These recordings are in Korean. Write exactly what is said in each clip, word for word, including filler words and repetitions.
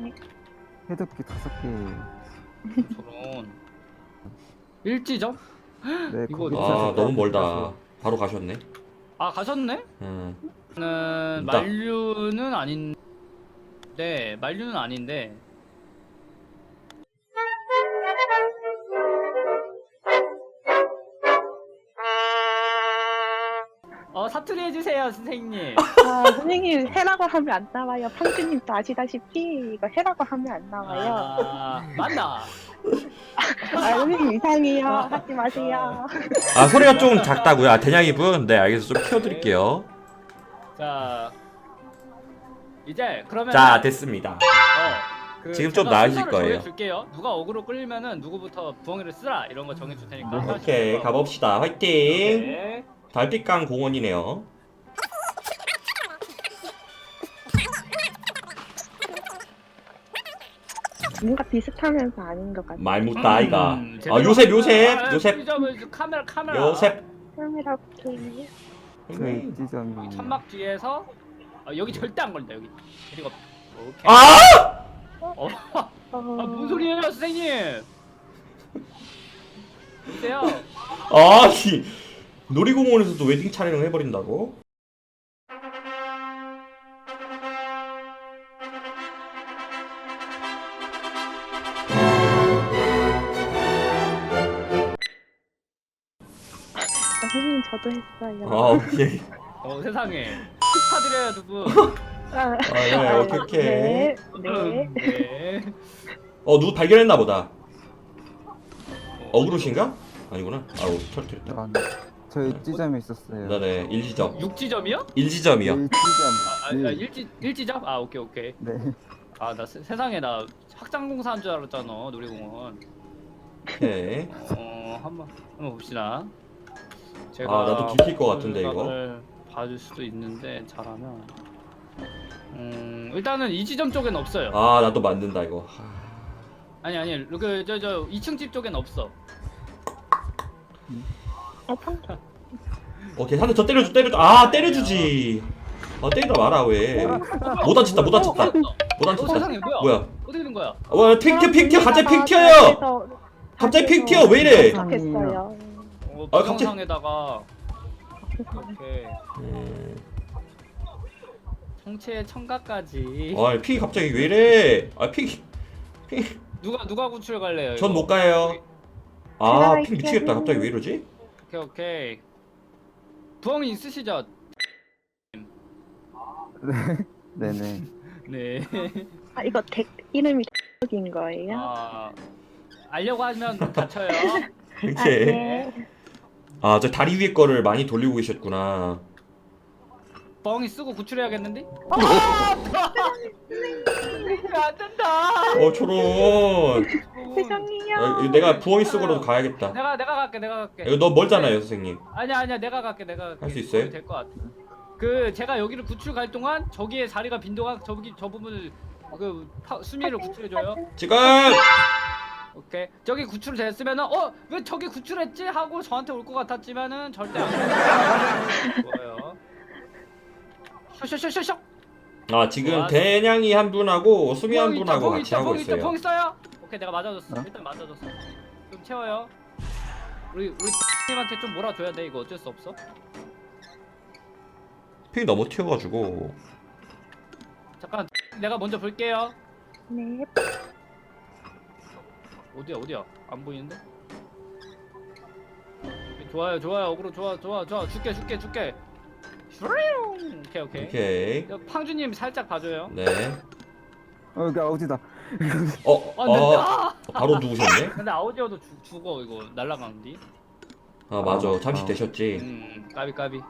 세상에. 해독기 다섯 개. 저런 일지점? 네, 이거 거기 너무 아 있어서 너무 멀다. 가서. 바로 가셨네. 아 가셨네? 음. 는 있다. 만류는 아닌데 만류는 아닌데 어 사투리 해주세요 선생님. 아, 선생님 해라고 하면 안 나와요. 팡주님도 아시다시피 이거 해라고 하면 안 나와요. 아 맞나? 아, 선생님 이상해요. 하지 마세요. 아 소리가 좀 작다고요. 아 대냥이분. 네 알겠어. 좀 키워드릴게요. 자 이제 그러면 자 됐습니다. 어, 그 지금 좀 제가 나으실 순서를 거예요. 정해줄게요. 누가 어그로 끌리면은 누구부터 부엉이를 쓰라 이런 거 정해줄 테니까. 네. 하나씩 오케이 해서. 가봅시다. 화이팅. 네. 달빛강 공원이네요. 뭔가 비슷하면서 아닌 것 같아요. 말 못다 아이가. 음, 아 요셉 요셉 아, 요셉 요셉 카메라 카메라. 요셉. 카메라 오케이. 저희 지점이 천막 뒤에서 아, 여기 절대 안 걸린다 여기. 그리고 오케이. 아! 어, 어... 아, 뭔 소리예요 선생님? 보세요. 아니 놀이공원에서도 웨딩 촬영을 해버린다고? 아, 선생님 저도 했어요. 아 오케이. 어 세상에 축하드려요 두 분. 아, 아, 네, 오케이, 오케이. 네, 네. 네. 어 누구 발견했나 보다. 어그로신가? 아니구나. 아우 철퇴했다. 아, 네. 저희 지점에 있었어요. 네네 일지점. 육지점이요? 일지점이요. 일 아, 지점. 아 네. 일지 일지점? 아 오케이 오케이. 네. 아 나 세상에 나 확장공사한 줄 알았잖아 놀이공원. 오케이. 어 한번 한번 봅시다. 제가 아, 나도 들킬 것 같은데, 이거. 공간을 봐줄 수도 있는데 잘하면. 음 일단은 이 지점 쪽엔 없어요. 아 나도 만든다 이거. 하... 아니 아니 그저 저 이 층 집 쪽엔 없어. 어, 팡 오케이 한 대 더 때려줘 때려줘. 아 때려주지. 아 때리다 마라 왜. 못 다쳤다 못 다쳤다. 못 어 다쳤다. 세상에 뭐야? 뭐야? 어떻게 된 거야? 와 픽 튀어 픽 튀어 갑자기 픽 튀어요. 아, 갑자기 픽 튀어 왜 이래? 했어요. 어 아, 갑자기- 부정상에다가 이렇게 음... 성체의 청각까지. 아픽 갑자기 왜 이래? 아픽 픽. 누가 누가 구출 갈래요? 전 이거? 못 가요. 아 픽 미치겠다. 갑자기 왜 이러지? 오케이 오케이. 부엉이 있으시죠? 네네. 네. 아, 이거 덱 이름이 덱인 거예요? 아 알려고 하면 다쳐요. 아, 이렇게. 네. 아 저 다리 위에 거를 많이 돌리고 계셨구나. 부엉이 쓰고 구출해야겠는데? 어, 안 된다. 어 초론. 세상이요. 아, 이거 내가 부엉이 쓰고라도 가야겠다. 내가 내가 갈게 내가 갈게. 이거 너무 멀잖아요 선생님. 아니야 아니야 내가 갈게 내가 갈게. 할수 있어요? 될것 같아. 그 제가 여기를 구출 갈 동안 저기에 자리가 빈 동안 저기 저 부분을 그 파, 수미를 구출해줘요. 지금. 오케이. 저기 구출 됐으면은 어 왜 저기 구출했지 하고 저한테 올 것 같았지만은 절대 안 그래요. 쇼쇼쇼쇼쇼. 아 지금 좋았어. 대냥이 한 분하고 수미 한 뽕 있다, 분하고 뽕 같이 있다, 하고 뽕 있다, 있어요. 뽕 있어요. 오케이 내가 맞아줬어. 어? 일단 맞아줬어. 좀 채워요. 우리 우리 님한테 좀 몰아줘야 돼. 이거 어쩔 수 없어. 픽 너무 튀어가지고. 잠깐 내가 먼저 볼게요. 네. 어디야 어디야 안 보이는데? 좋아요 좋아요 어그로 좋아 좋아 좋아 줄게 줄게 줄게. 슈링. 오케이 오케이. 오케이. 이거 팡주님 살짝 봐줘요. 네. 어, 여기 아우지다. 어, 아, 근데, 어, 아! 바로 누우셨네. 근데 아우디오도 죽, 죽어 이거 날라가는데. 아 맞아, 잠시 어. 되셨지. 음 까비 까비.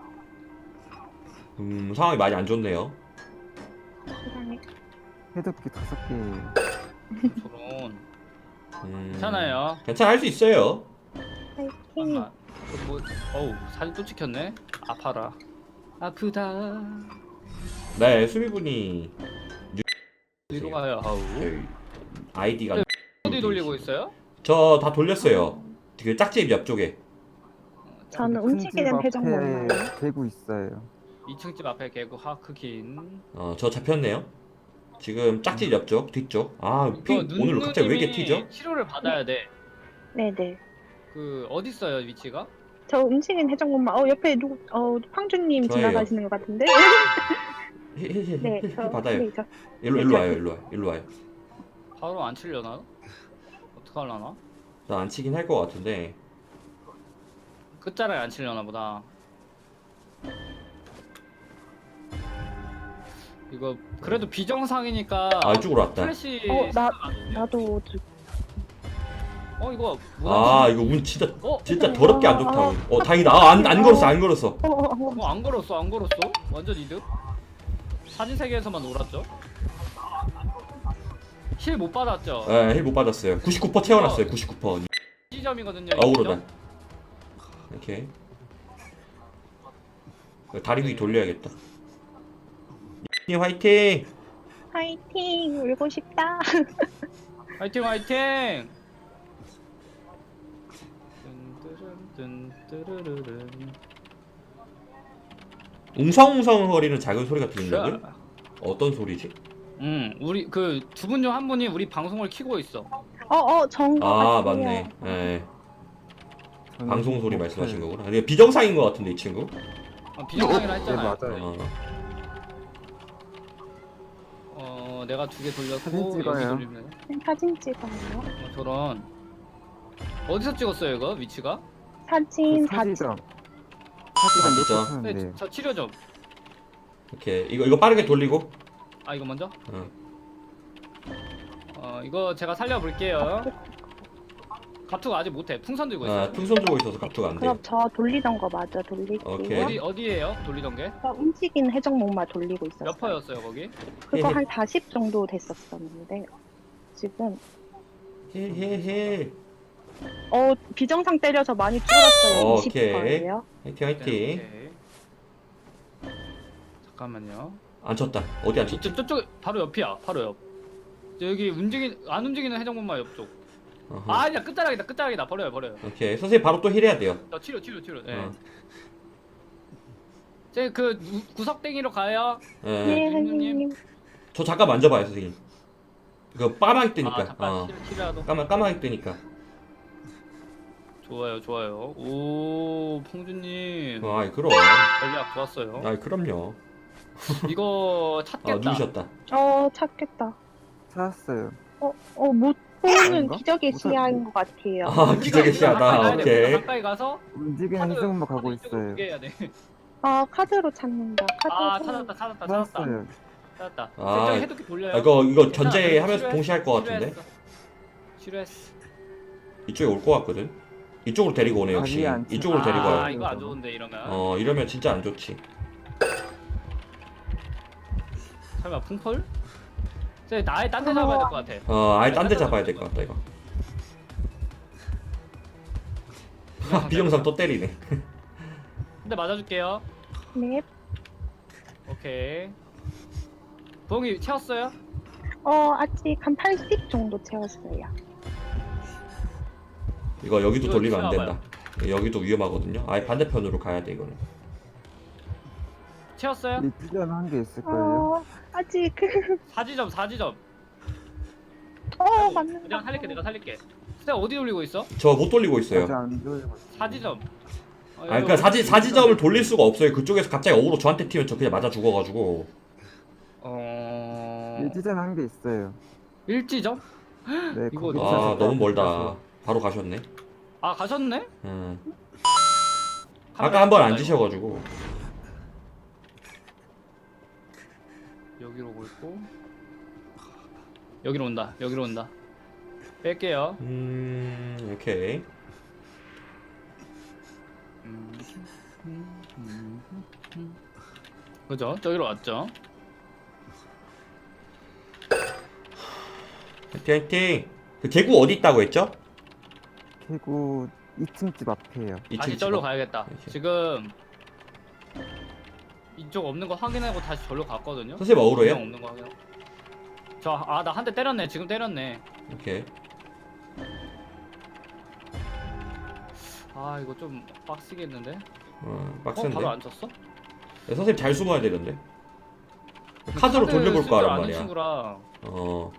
음 상황이 많이 안 좋네요. 세상에. 해독기 다섯 개. 저런. 음, 괜찮아요. 괜찮아 할 수 있어요. 파이팅. 잠깐만. 이거 뭐 어우 사진 또 찍혔네. 아파라. 아프다. 네, 수미분이 어디로 가요 아우. 저희 아이디가 네, 어디 돌리고 있어요? 저 다 돌렸어요. 그 짝집 옆쪽에. 저는 큰 움직이는 집 회전 앞에 몰라요. 대구 있어요. 이 층 집 앞에 개구 하크긴. 어, 저 잡혔네요. 지금 짝짓 옆쪽 뒤쪽. 아 핑 이거 오늘 갑자기 왜 이렇게 눈누님이 튀죠? 치료를 받아야 돼. 네네. 그 어디 있어요 위치가? 저 움직인 해적목마. 어 옆에 누구? 어 황준님 저예요. 지나가시는 것 같은데? 헤헤헤 네. 저, 받아요. 네, 저, 일로 네, 일로 저- 와요 일로 와요 일로 와요. 바로 안 치려나? 어떡하려나? 나 안 치긴 할 것 같은데. 끝자락에 안 치려나 보다. 이거 그래도 비정상이니까 아 이쪽으로 왔다. 플래시 어, 나- 안 오네요. 나도 저- 어 이거 아 이거 운 진짜 어? 진짜 더럽게 안 좋다. 아, 운. 어 다행이다. 아, 안, 안 걸었어 안 걸었어. 어, 어, 어. 어, 안 걸었어 안 걸었어 완전 이득. 사진 세계에서만 놀았죠. 힐 못 받았죠. 예, 힐 못 받았어요. 구십구 퍼센트 채워놨어요. 구십구 퍼센트. 이 점이거든요. 어우로다. 이렇게 다리 위 돌려야겠다. 님 화이팅! 화이팅! 울고 싶다. 화이팅 화이팅. 뜬뜨른뜬뜨르르른. 웅성웅성 거리는 작은 소리가 들린다고요? 어떤 소리지? 음 우리 그 두 분 중 한 분이 우리 방송을 키고 있어. 어, 어, 정거 아 같아요. 맞네. 예. 저는 방송 소리 뭐- 말씀하신 거구나. 이게 비정상인 것 같은데 이 친구. 어, 비정상이라 네 했잖아요. 맞아요. 어. 어 내가 두 개 돌렸고 사진 여기 찍어요. 돌리면 네, 사진 찍어요. 어, 저런. 어디서 찍었어요 이거 위치가? 사진 그 다 사지점. 아, 사지점 진짜? 놓고 네, 타는데 저 치료 좀. 이렇게 이거 이거 빠르게 돌리고. 아 이거 먼저? 어. 어 이거 제가 살려볼게요. 갑투가 아직 못해. 풍선 들고 있어. 아 풍선 들고 있어서 갑투가 안 돼. 그럼 저 돌리던 거 맞아 돌릴게요. 오케이. 어디 어디에요? 돌리던 게? 저 움직인 해적목마 돌리고 있었어요. 몇 퍼였어요 거기? 그거 헤헤. 한 사십 정도 됐었었는데 지금 헤헤헤. 어 비정상 때려서 많이 줄었어요. 어, 이십 오케이. 퍼예요. 화이팅 화이팅. 오케이. 잠깐만요. 안 쳤다. 어디 안 쳤지? 저쪽 저쪽 바로 옆이야. 바로 옆. 저 여기 움직이 안 움직이는 해적목마 옆쪽. 어허. 아 아니야 끝자락이다 끝자락이다 버려요 버려요. 오케이 선생님 바로 또 힐해야 돼요. 나 치료 치료 치료. 네. 어. 제그 구석땡이로 가요. 예. 네, 선생님. 선생님. 저 잠깐 만져봐요 선생님. 이거 까마귀 뜨니까. 아 잠깐 어. 치료 치료라도. 까마 까마귀 뜨니까. 좋아요 좋아요. 오 봉주님 어, 아이 그럼. 전략 좋았어요. 아이 그럼요. 이거 아 찾겠다. 누우셨다. 어 찾겠다. 찾았어요. 어어못 보는 아닌가? 기적의 못 시야인 것 같아요. 아 기적의 우리가 가까이 시야다. 가야 돼. 오케이. 가까이 가서 움직이는 카드- 해적목마 카드 가고 이쪽으로 있어요. 보게 해야 돼. 아 카드로 찾는다. 카드 아 찾는- 찾았다 찾았다 찾았다 찾았어요. 찾았다. 아, 저기 해독기 돌려요. 아, 이거 이거 괜찮아. 견제하면서 치료했- 동시에 할 것 같은데. 치료했어. 치료했어. 이쪽에 올 것 같거든. 이쪽으로 데리고 오네 역시. 아니, 안 치- 이쪽으로 데리고 아 와요. 이거 안 좋은데 이러면. 어 이러면 진짜 안 좋지. 설마 풍펄? 쟤 나의 딴 데 잡아야 될 것 같아. 어 아예 딴 데 잡아야 될 것 같다 이거. 하, 비정상 또 때리네. 근데 맞아줄게요. 네. 오케이. 부엉이 채웠어요? 어 아직 한 팔십 정도 채웠어요. 이거 여기도 이거 돌리면 안 된다. 치워봐요. 여기도 위험하거든요. 아예 반대편으로 가야 돼 이거는. 채웠어요? 이 찢어는 한 개 있을걸요. 어 아직 사지점 사지점. 어 맞는다. 내가 살릴게 내가 살릴게. 스텝 어디 돌리고 있어? 저 못 돌리고 있어요. 아직 안 돌리고 있어요. 사지점. 어, 아 그러니까 사지 사지점을 돌릴 수가 없어요. 그쪽에서 갑자기 어그로 저한테 튀면 저 그냥 맞아 죽어가지고. 어. 이 찢어는 한 개 있어요. 일지점? 네, 이거 거기 아 찾아서 너무 멀다. 찾아서. 바로 가셨네. 아 가셨네? 음. 아까 한 번 앉으셔가지고. 여기로 오고 있고. 여기로 온다. 여기로 온다. 뺄게요. 음 오케이. 음, 음, 음, 음. 그죠? 저기로 왔죠? 화이팅 화이팅. 그 개구 어디 있다고 했죠? 개구 이 층 집 앞이에요. 다시 이층 절로 집어. 가야겠다. 이렇게. 지금 이쪽 없는 거 확인하고 다시 절로 갔거든요. 선생님 어그로예요? 그냥 없는 거 확인. 저아 나 한 대 때렸네. 지금 때렸네. 오케이. 아 이거 좀 빡시겠는데? 어 어 빡센데. 바로 안 쳤어? 네, 선생님 잘 숨어야 되는데. 카드로 카드 돌려볼 쓸 거 줄 하란 아는 말이야. 친구라 어,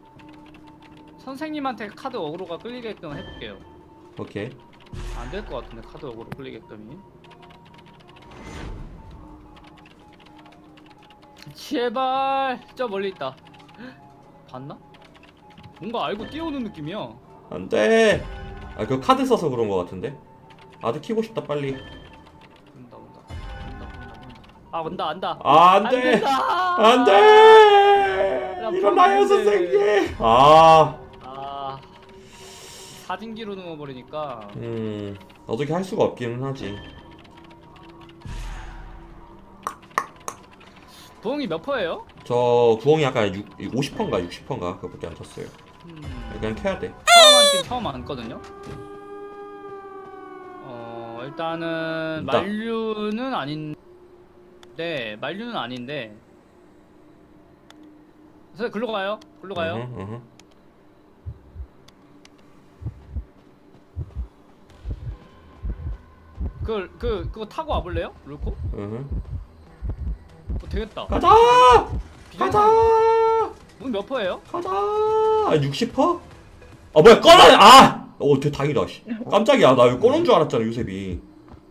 선생님한테 카드 어그로가 끌리게끔 해볼게요. 오케이. 안 될 것 같은데 카드 어그로 끌리게끔이. 제발 저 멀리 있다. 봤나? 뭔가 알고 뛰어오는 느낌이야. 안 돼. 아, 그 카드 써서 그런 거 같은데. 아주 키고 싶다 빨리. 온다 온다 온다 온다 온다. 아 온다 안다. 아, 안 안 돼. 된다. 안 돼. 야, 일어나요 안 돼. 선생님. 아, 아 사진기로 넣어버리니까. 음, 어떻게 할 수가 없기는 하지. 부엉이 몇 퍼예요? 저 부엉이 아까 오십 퍼인가 육십 퍼인가 그거밖에 안 쳤어요. 음, 그냥 켜야 돼. 처음 안긴 처음 안거든요. 어 일단은 일단. 만류는 아닌데 만류는 아닌데. 그래서 글로 가요. 글로 가요. 으흠, 으흠. 그 그 그거 타고 와볼래요? 롤코? 으흠. 어, 되겠다. 가자. 비전- 가자. 문몇 퍼예요? 가자. 아, 육십 퍼? 아 뭐야 꺼라. 아. 어, 되게 다행이다. 씨. 깜짝이야. 나 이거 꺼놓은 줄 알았잖아 요셉이.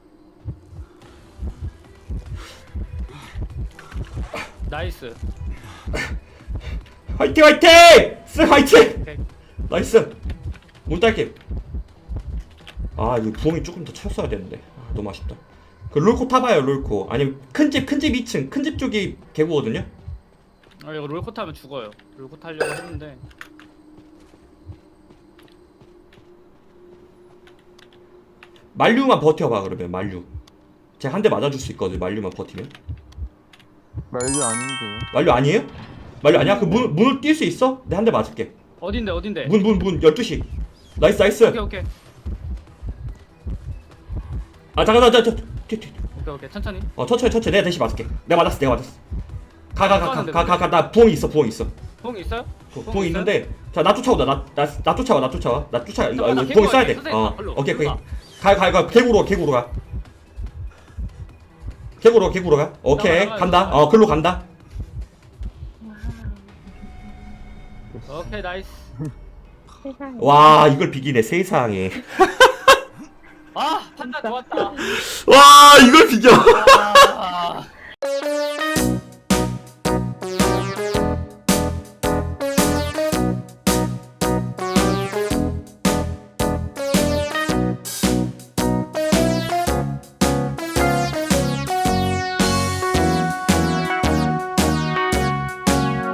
나이스. 화이팅 화이팅! 쓱 화이팅! 오케이. 나이스. 문 딸게. 아 이거 부엉이 조금 더 채웠어야 되는데. 아, 너무 아쉽다. 그 롤코 타봐요 롤코. 아니면 큰집 큰 집 이 층 큰 집 쪽이 개구거든요. 아 이거 롤코 타면 죽어요. 롤코 타려고 했는데. 만류만 버텨봐 그러면 만류. 제가 한 대 맞아줄 수 있거든 만류만 버티면. 말류 아닌데요? 만류 아니에요? 만류 아니야? 그 문, 문을 뛸 수 있어? 내 한 대 맞을게. 어딘데 어딘데? 문 문 문 열두 시. 나이스 나이스. 오케이 오케이 아 잠깐 잠깐 잠깐. 튀, 튀. 오케이 오케이 천천히. 어 천천히 천천히 내가 대신 맞을게. 내가 맞았어 내가 맞았어. 가 가 가 가 가 가 가 나 부엉이 있어 부엉이 있어. 부엉이 있어요? 부- 부엉이 부엉이 있어요? 있는데 자 나 쫓아오다 나나 나 쫓아와 나 쫓아와 나 쫓아와 이거 잠깐만, 나 이거 부엉이 써야 돼. 개구가 어 선생님, 오케이 오케이. 일로 가가 가 개구로 개구로 가. 개구로 개구로 가. 오케이 나가, 나가, 간다. 나가. 어 글로 간다. 오케이 나이스. 세상에. 와 이걸 비기네 세상에. 아 판단 좋았다. 와 이걸 비겨. 아,